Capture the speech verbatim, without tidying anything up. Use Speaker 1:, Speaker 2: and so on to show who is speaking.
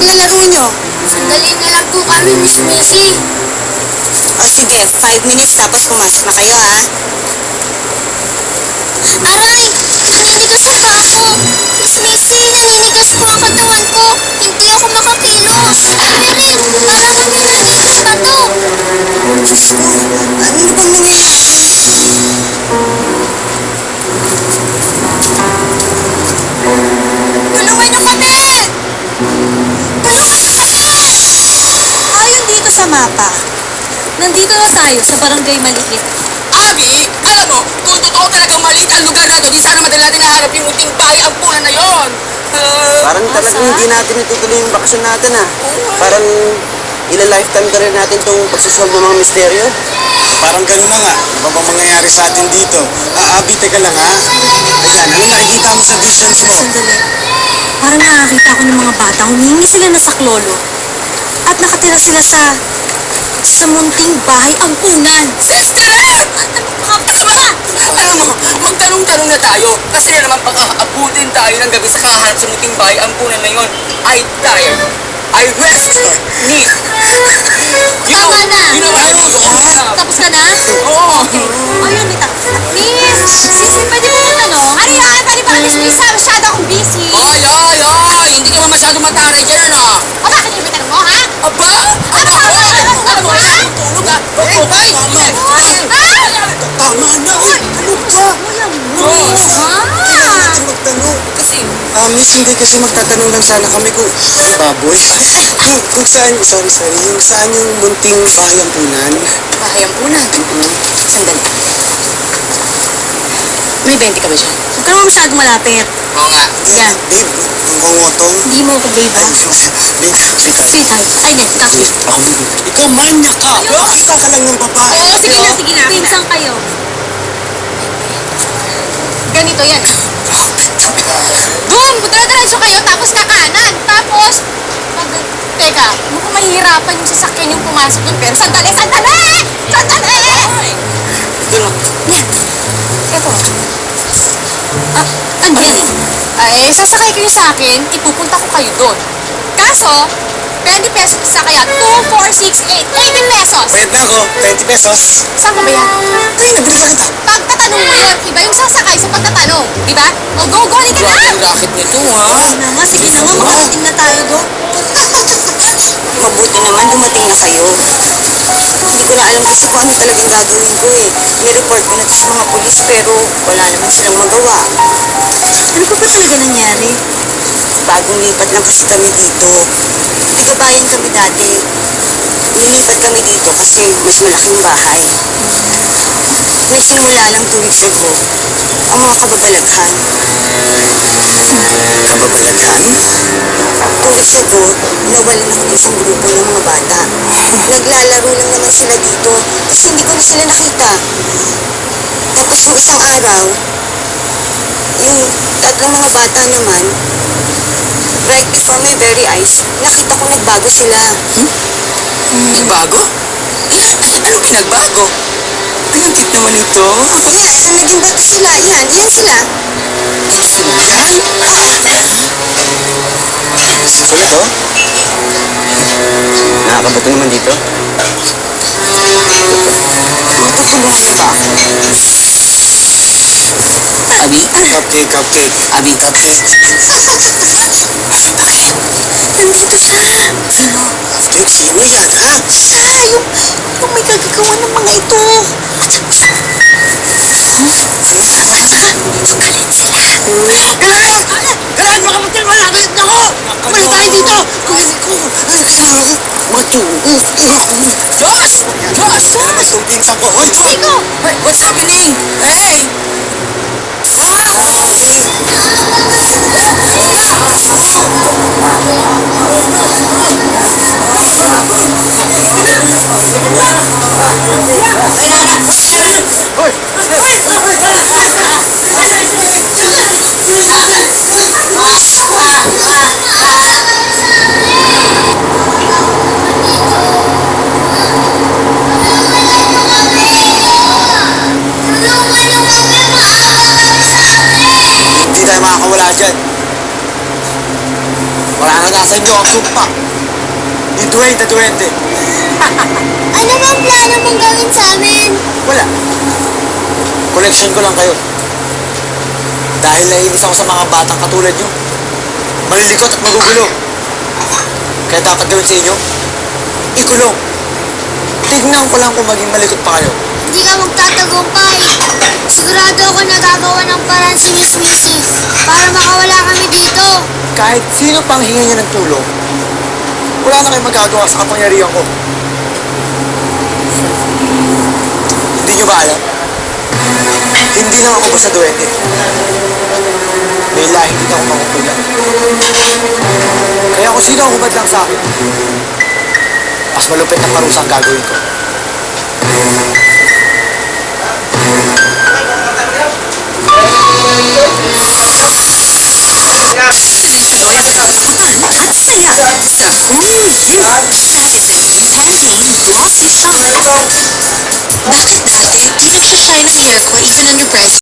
Speaker 1: pinaglalaro nyo?
Speaker 2: Sandali na lang po kami, Miss Missy.
Speaker 1: O sige, five minutes tapos pumasok na kayo, ha?
Speaker 2: Aray! Naninigas ang paa ko. Miss Missy, naninigas po ang katawan ko. Hindi ako makakilos. Meryl, parang kami naninigas pa to.
Speaker 1: Diyos ko, ano na bang nangyayari? Tulungan nyo kami! Tulungan nyo kami! Ayon dito sa mapa, nandito na tayo sa barangay Maliit.
Speaker 3: Abi, alam mo, kung totoo talagang maliit ang lugar na to, di sana madali natin nahanap yung munting bahay ang punan na yon. Uh,
Speaker 4: Parang talagang hindi natin itutuloy yung bakasyon natin ah. Parang ila-lifetime ka rin natin itong pagsusolve ng mga misteryo.
Speaker 5: Parang ganun na nga. Ano ba bang mangyayari sa atin dito? Ah, Abi, teka lang ha. Ayan, ano nakikita mo sa visions mo?
Speaker 1: Sandali. Parang nakakita ko ng mga bata. Humingi sila ng saklolo. At nakatira sila sa... sa munting bahay ampunan.
Speaker 3: Sister Ed! Alam mo, magtanong-tanong na tayo. Kasi na naman pag aabutin tayo ng gabi sa kahanap sa munting bahay ang punan na yon, I tired. I rest. Need. You know,
Speaker 2: Tama na.
Speaker 3: you know, I was on.
Speaker 2: Tapos ka na?
Speaker 3: Oo.
Speaker 2: Okay. Ayun, may tapos na. Miss! Sisi, pwede mo matanong? Ari, ay, pwede ba alis, Miss? Masyado akong busy.
Speaker 3: Ay, ay, ay! Hindi ka naman masyado mataray dyan, ano?
Speaker 2: O, bakit yung may tanong mo, ha?
Speaker 3: Aba!
Speaker 2: Ano ba? Ano ba? Ano ba?
Speaker 3: Tulog ah! Eh, bay!
Speaker 5: Tama na! Uy, ano ba?
Speaker 3: Diyos!
Speaker 5: Kailangan natin magtanong.
Speaker 3: Kasi,
Speaker 5: Ah, miss, hindi kasi magtatanong lang sana kami kung... Baboy? kung, kung saan... Sorry, sorry. Yung saan yung munting bahay ampunan?
Speaker 1: Bahay ampunan. Sandali. May bente ka ba dyan? Huwag ka naman masyadong malapit.
Speaker 3: oo nga.
Speaker 1: Yan.
Speaker 5: Babe, ang ngongotong.
Speaker 1: Hindi mo ako babe, ha?
Speaker 5: Babe, sweetheart.
Speaker 1: Sweetheart. Ay, hindi. Ikaw.
Speaker 5: Ako, babe. Ikaw, manya ka! Nakita ka lang ng babae.
Speaker 2: Oo, sige na, sige na. Pinsang kayo. Ganito yan. Doon, diretso kayo, tapos kakanan. Tapos, pag... Teka, mukhang mahihirapan yung sasakyan yung pumasok doon. Pero sandali, sandali! Sandali!
Speaker 3: Ito na.
Speaker 1: Yan. Ito. Ah, ano yan?
Speaker 2: Ay, sasakay kayo sa akin, ipupunta ko kayo doon. Kaso, twenty pesos sa kaya, two, four, six, eight, eighty pesos!
Speaker 5: Bayad na ako. twenty pesos.
Speaker 2: Saan ka ba yan?
Speaker 5: Ay, nabilisan kita.
Speaker 2: Pagtatanong mo yun, iba yung sasakay sa pagtatanong. Di ba? O, go, go, halika
Speaker 3: Grabe
Speaker 2: na!
Speaker 3: ang racket nito, ha?
Speaker 1: Sige na nga, sige na nga. Makarating na tayo doon. Mabuti naman dumating na kayo. Hindi ko na alam kasi kung ano talagang gagawin ko eh. Nireport ko na to sa mga polis pero wala naman silang magawa. Ano pa ba talaga nangyari? Bagong lipat lang kasi kami dito. Tigabayan kami dati. Nilipat kami dito kasi mas malaking bahay. Nagsimula lang two weeks ago ang mga kababalaghan.
Speaker 5: Kababalaghan?
Speaker 1: Two weeks ago, nawalan ako ng isang grupo ng mga bata. Naglalaro lang naman sila dito kasi hindi ko na sila nakita. Tapos yung isang araw, yung tatlong mga bata naman, right before my very eyes, nakita ko nagbago sila.
Speaker 3: Nagbago? Ano pinagbago? Ay, ang cute naman ito.
Speaker 1: Yan, naging bato sila. Yan, yan sila.
Speaker 3: Sila yan?
Speaker 4: Sulit oh. Nakakabato naman dito.
Speaker 1: Matutulungan ba ako?
Speaker 3: Abi?
Speaker 5: Cupcake, cupcake.
Speaker 3: Abi?
Speaker 5: Cupcake.
Speaker 1: Bakit? Nandito siya. Sino?
Speaker 5: Cupcake, sino yan, ha?
Speaker 1: Siya, yung, yung may gagagawa ng mga ito. At saka, galit sila.
Speaker 5: Kailangan! Kailangan makamutin mo natin ako! Balik tayo dito! Kulit ko! Matuos!
Speaker 3: Josh! Josh!
Speaker 5: Josh! Itong pinsan ko! Hoy!
Speaker 2: Sino?
Speaker 3: Hey, what's happening? Hey!
Speaker 5: Hindi tayo makakawala dyan. Mararanasan niyo ang sumpa. Ni Dwayne na Duwende.
Speaker 2: Ano bang plano mong gawin sa amin?
Speaker 5: Wala. Collection ko lang kayo. Dahil naiinis ako sa mga batang katulad nyo. Malilikot at magugulo. Kaya dapat gawin sa inyo, ikulong. Tignan ko lang kung maging malikot pa kayo.
Speaker 2: Hindi ka magtatagumpay. Sigurado ako nagagawa ng paraan si Miss Missy para makawala kami dito.
Speaker 5: Kahit sino pang hinga niya ng tulong, wala na kayong magagawa sa kapangyarihan ko. Hindi nyo ba alam? Hindi lang ako basta duwende. May lahing hindi ako makukulan. Kaya kung sino ang humad lang sa akin, mas malupit na parusa ang gagawin ko.
Speaker 1: Buton at saya sa Hulu Youth Citizen Campaign Glossy Shine.
Speaker 6: Bakit dati, di nagsashine ang hair ko even under breast